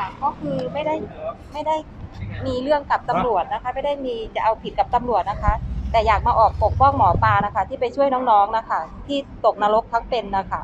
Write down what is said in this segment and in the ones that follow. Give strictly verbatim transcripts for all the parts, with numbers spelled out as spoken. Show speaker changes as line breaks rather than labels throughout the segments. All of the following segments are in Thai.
ค่ะก็คือไม่ได้ไม่ได้มีเรื่องกับตำรวจนะคะไม่ได้มีจะเอาผิดกับตำรวจนะคะ แต่อยากมาออกปกป้องหมอปลานะคะ ที่ไปช่วยน้องๆนะคะ ที่ตกนรกทั้งเป็นนะคะ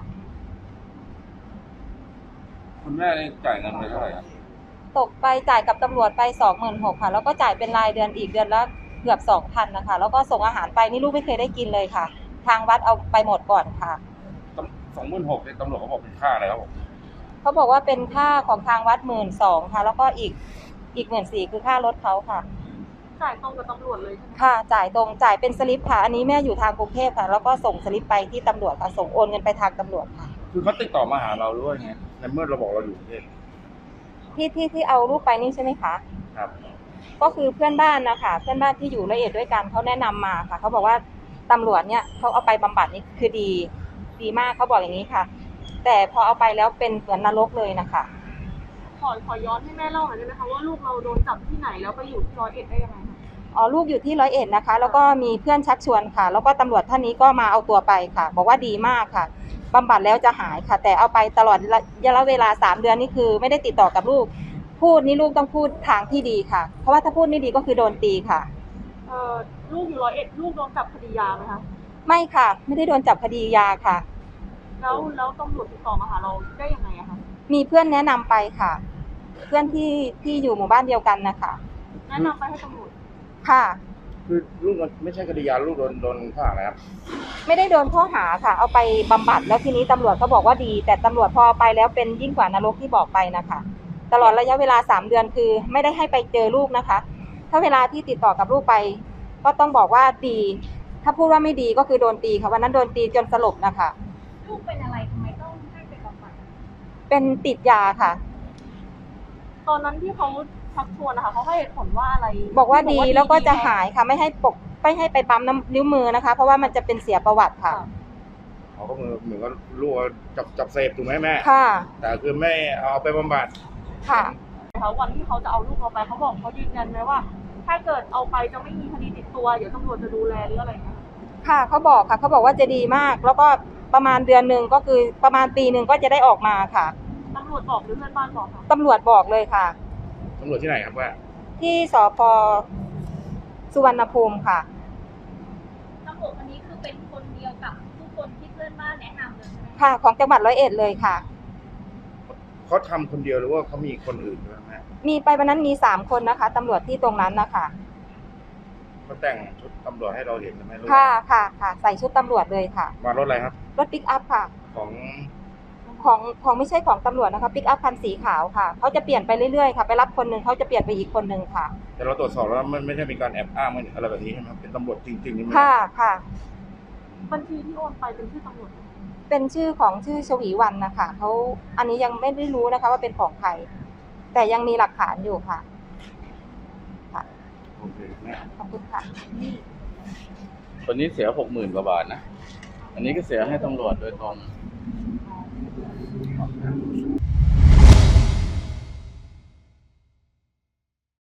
คุณแม่ได้จ่ายเงินไปเท่าไหร่ครับ
ตกไปจ่ายกับตำรวจไปสองหมื่นหกค่ะแล้วก็จ่ายเป็นรายเดือนอีกเดือนละเกือบสองพันนะคะแล้วก็ส่งอาหารไปนี่ลูกไม่เคยได้กินเลยค่ะ ทางวัดเอาไปหมดก่อนค่ะ
สองหมื่นหกเนี่ยตำรวจเขาบอกเป็นค่าอะไรครับผม
เขาบอกว่าเป็นค่าของทางวัดหมื่นสองค่ะแล้วก็อีกอีกหมื่นสี่คือค่ารถเขาค่ะ
จ่ายตรงกับตำรวจเลยใช่ไหม
ค่ะจ่ายตรงจ่ายเป็นสลิปค่ะอันนี้แม่อยู่ทางกรุงเทพค่ะแล้วก็ส่งสลิปไปที่ตำรวจค่ะส่งโอนเงินไปทางตำรวจค่ะ
คือเขาติดต่อมาหาเราด้วยไงในเมื่อเราบอกเราอยู่กรุงเทพ
ที่ที่ที่เอาลูกไปนี่ใช่ไหมคะ
ครับ
ก็คือเพื่อนบ้านนะคะเพื่อนบ้านที่อยู่ละเอียดด้วยกันเขาแนะนำมาค่ะเขาบอกว่าตำรวจเนี่ยเขาเอาไปบำบัดนี่คือดีดีมากเขาบอกอย่างนี้ค่ะแต่พอเอาไปแล้วเป็นเหมือนนรกเลยนะคะ
ขอขอย้อนให้แม่เล่าหน่อยได้ไหมคะว่าลูกเราโดนจับที่ไหนแล้วไปอยู่ที่ร้อยเอ็ดได้ยังไงคะ
อ๋อลูกอยู่ที่ร้อยเอ็ดนะคะแล้วก็มีเพื่อนชักชวนค่ะแล้วก็ตำรวจท่านนี้ก็มาเอาตัวไปค่ะบอกว่าดีมากค่ะบำบัดแล้วจะหายค่ะแต่เอาไปตลอดระยะเวลาสามเดือนนี่คือไม่ได้ติดต่อกับลูกพูดนี่ลูกต้องพูดทางที่ดีค่ะเพราะว่าถ้าพูดไม่ดีก็คือโดนตีค่ะ
เอ่อลูกอยู่ร้อยเอ็ดลูกโดนจับคดียาไหมคะ
ไม่ค่ะไม่ได้โดนจับคดียาค่ะ
แล้วแล้วตำรวจติดต่อมาหาเราได้ยังไงอะคะ
มีเพื่อนแนะนำไปค่ะเพื่อนที่ที่อยู่หมู่บ้านเดียวกันนะคะ
แนะนำไปให้ตำรวจ
ค่ะ
คือลูกไม่ใช่คดียาลูกโดนโดนข้อหาอะไรครับ
ไม่ได้โดนข้อหาค่ะเอาไปบำบัดแล้วทีนี้ตำรวจก็บอกว่าดีแต่ตำรวจพอไปแล้วเป็นยิ่งกว่านรกที่บอกไปนะคะตลอดระยะเวลาสามเดือนคือไม่ได้ให้ไปเจอลูกนะคะถ้าเวลาที่ติดต่อกับลูกไปก็ต้องบอกว่าดีถ้าพูดว่าไม่ดีก็คือโดนตีค่ะวันนั้นโดนตีจนสลบนะคะ
ลูกเป็นอะไรทำไมต้องให้ไปบำบัด
เป็นติดยาค่ะ
ตอนนั้นที่เขาชักชวนนะคะเขาให้เหตุผลว่าอะไร
บอกว่าดีแล้วก็จะหายค่ะไม่ให้ปกไม่ให้ไปปั๊มน้ำนิ้วมือนะคะเพราะว่ามันจะเป็นเสียประวัติค่ะ
เขาก็เหมือนเหมือนกับลูกจับจับเสพถูกไหมแม่
ค่ะ
แต่คือไม่เอาไปบำบัด
ค่ะ
เขาวันที่เขาจะเอาลูกเราไปเขาบอกเขายืนยันไหมว่าถ้าเกิดเอาไปจะไม่มีคดีติดตัวเดี๋ยวตำรวจจะดูแลหรืออะไรเงี้ย
ค่ะเขาบอกค่ะเขาบอกว่าจะดีมากแล้วก็ประมาณเดือนหนึ่งก็คือประมาณปีหนึ่งก็จะได้ออกมาค่ะ
ตำรวจบอกหรือเพื่อนบ้านบอกคะ
ตำรวจบอกเลยค่ะ
ตำรวจที่ไหนครับว่า
ที่สภ.สุวรรณภูมิค่ะ
ตำรวจคนนี้คือเป็นคนเดียวกับทุกคนที่เพื่อนบ้านแนะนำเลยใช่ไหม
ค่ะของจังหวัดร้อยเอ็ดเลยค่ะ
เขาทำคนเดียวหรือว่าเขามีคนอื่นด้วยไหม
มีไปวันนั้นมีสามคนนะคะตำรวจที่ตรงนั้นนะคะ
เขาแต่งชุดตำรวจให้เราเห็นใช่ไหมลูก
ค่ะค่ะค่ะใส่ชุดตำรวจเลยค่ะ
มารถอะไรครับ
รถปิกอัพค่ะ
ของ
ของของไม่ใช่ของตำรวจนะคะปิกอัพคันสีขาวค่ะเขาจะเปลี่ยนไปเรื่อยๆค่ะไปรับคนหนึ่งเขาจะเปลี่ยนไปอีกคนหนึ่งค่ะ
แต่เราตรวจสอบแล้วมันไม่ใช่มีการแอบอ้างอะไรแบบนี้ใช่ไหมเป็นตำรวจจริงๆนี่ไหม
ค่ะค่ะ
บัญชีที่โอนไปเป็นชื่อตำรวจ
เป็นชื่อของชื่อชวีวรรณนะคะเขาอันนี้ยังไม่ได้รู้นะคะว่าเป็นของใครแต่ยังมีหลักฐานอยู่ค่ะค่ะ
โอเค
ขอบคุณค่ะ
คนนี้เสียหกหมื่นกว่าบาทนะอันนี้ก็เสียให้ตำรวจโดยตรง